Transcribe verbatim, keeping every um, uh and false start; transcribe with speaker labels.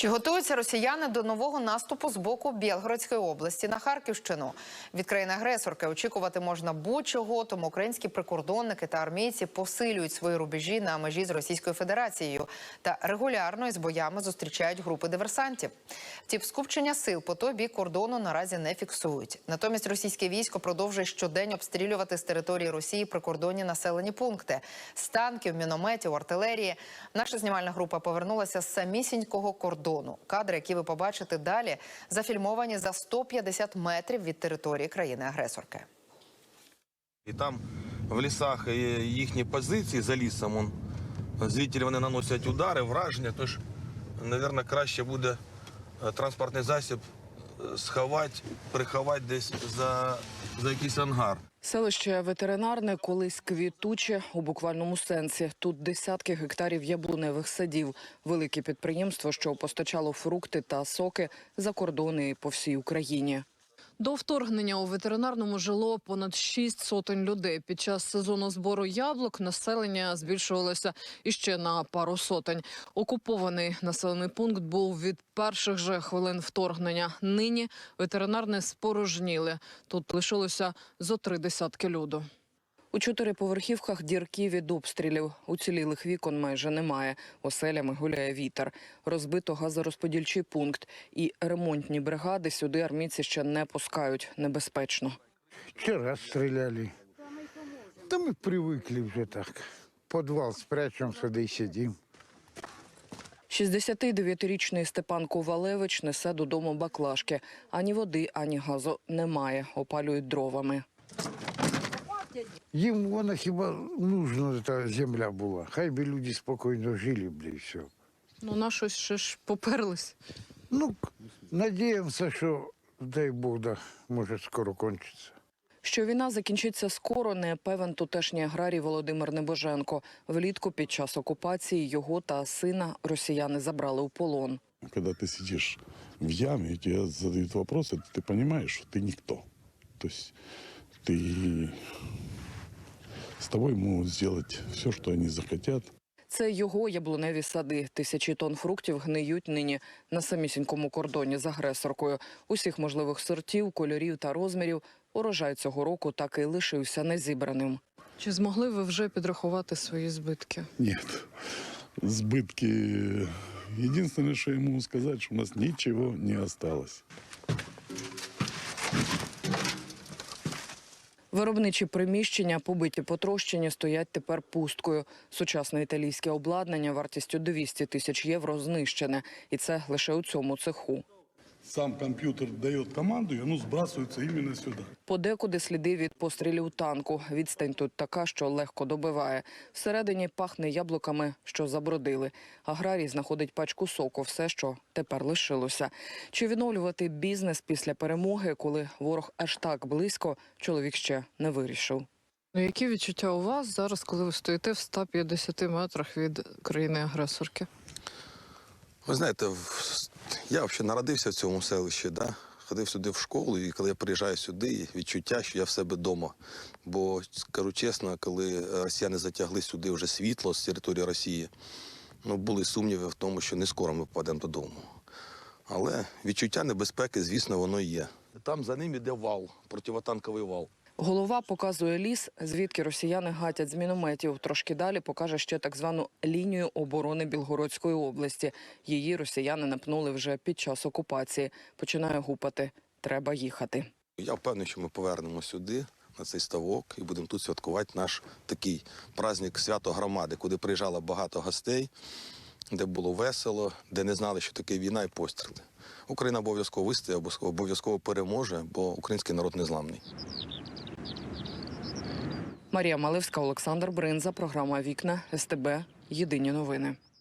Speaker 1: Чи готуються росіяни до нового наступу з боку Білгородської області на Харківщину? Від країни-агресорки очікувати можна будь-чого, тому українські прикордонники та армійці посилюють свої рубежі на межі з Російською Федерацією та регулярно із боями зустрічають групи диверсантів. Втім, скупчення сил по той бік кордону наразі не фіксують. Натомість російське військо продовжує щодень обстрілювати з території Росії прикордонні населені пункти. З танків, мінометів, артилерії. Наша знімальна група повернулася з самісінького кордону. Кадри, які ви побачите далі, зафільмовані за сто п'ятдесят метрів від території країни-агресорки.
Speaker 2: І там в лісах їхні позиції за лісом, он, звідти вони наносять удари, враження, тож, мабуть, краще буде транспортний засіб сховати, приховати десь за, за якийсь ангар.
Speaker 3: Селище Ветеринарне колись квітуче у буквальному сенсі. Тут десятки гектарів яблуневих садів. Велике підприємство, що постачало фрукти та соки за кордони і по всій Україні.
Speaker 4: До вторгнення у ветеринарному жило понад шість сотень людей. Під час сезону збору яблук населення збільшувалося іще на пару сотень. Окупований населений пункт був від перших же хвилин вторгнення. Нині ветеринарне спорожніли. Тут лишилося зо три десятки люду.
Speaker 3: У чотириповерхівках дірки від обстрілів. Уцілілих вікон майже немає. Оселями гуляє вітер. Розбито газорозподільчий пункт. І ремонтні бригади сюди армійці ще не пускають. Небезпечно.
Speaker 5: Вчора стріляли. Та ми привикли вже так. Підвал спрячемо, сюди і сидимо.
Speaker 3: шістдесятидев'ятирічний Степан Ковалевич несе додому баклажки. Ані води, ані газу немає. Опалюють дровами.
Speaker 5: Їм вона хіба нужна та земля була. Хай би люди спокійно жили, бля, і все.
Speaker 4: Ну, на щось ще ж поперлись.
Speaker 5: Ну, надіємося, що, дай Бог, да, може скоро кончиться.
Speaker 3: Що війна закінчиться скоро, не певен тутешній аграрій Володимир Небоженко. Влітку під час окупації його та сина росіяни забрали у полон.
Speaker 6: Коли ти сидиш в ямі, і тебе задають питання, ти розумієш, що ти ніхто. Тобто ти... З тобою можуть зробити все, що вони захотять.
Speaker 3: Це його яблуневі сади. Тисячі тонн фруктів гниють нині на самісінькому кордоні з агресоркою. Усіх можливих сортів, кольорів та розмірів урожай цього року так і лишився незібраним.
Speaker 4: Чи змогли ви вже підрахувати свої збитки?
Speaker 6: Ні. Збитки... Єдине, що я можу сказати, що у нас нічого не залишилось.
Speaker 3: Виробничі приміщення, побиті потрощені, стоять тепер пусткою. Сучасне італійське обладнання вартістю двісті тисяч євро знищене. І це лише у цьому цеху.
Speaker 6: Сам комп'ютер дає команду, і воно збрасується іменно сюди.
Speaker 3: Подекуди сліди від пострілів танку. Відстань тут така, що легко добиває. Всередині пахне яблуками, що забродили. Аграрій знаходить пачку соку, все, що тепер лишилося. Чи відновлювати бізнес після перемоги, коли ворог аж так близько, чоловік ще не вирішив.
Speaker 4: Ну, які відчуття у вас зараз, коли ви стоїте в ста п'ятдесяти метрах від країни-агресорки?
Speaker 2: Ви знаєте, я взагалі народився в цьому селищі, да? Ходив сюди в школу, і коли я приїжджаю сюди, відчуття, що я в себе вдома. Бо, скажу чесно, коли росіяни затягли сюди вже світло з території Росії, ну, були сумніви в тому, що не скоро ми попадемо додому. Але відчуття небезпеки, звісно, воно є. Там за ним іде вал, противотанковий вал.
Speaker 3: Голова показує ліс, звідки росіяни гатять з мінометів. Трошки далі покаже ще так звану лінію оборони Білгородської області. Її росіяни напнули вже під час окупації. Починає гупати. Треба їхати.
Speaker 2: Я впевнений, що ми повернемо сюди, на цей ставок, і будемо тут святкувати наш такий праздник свято громади, куди приїжджало багато гостей, де було весело, де не знали, що таке війна і постріли. Україна обов'язково вистоїть, обов'язково переможе, бо український народ незламний.
Speaker 3: Марія Малевська, Олександр Бринза, програма «Вікна», ес те бе, Єдині новини.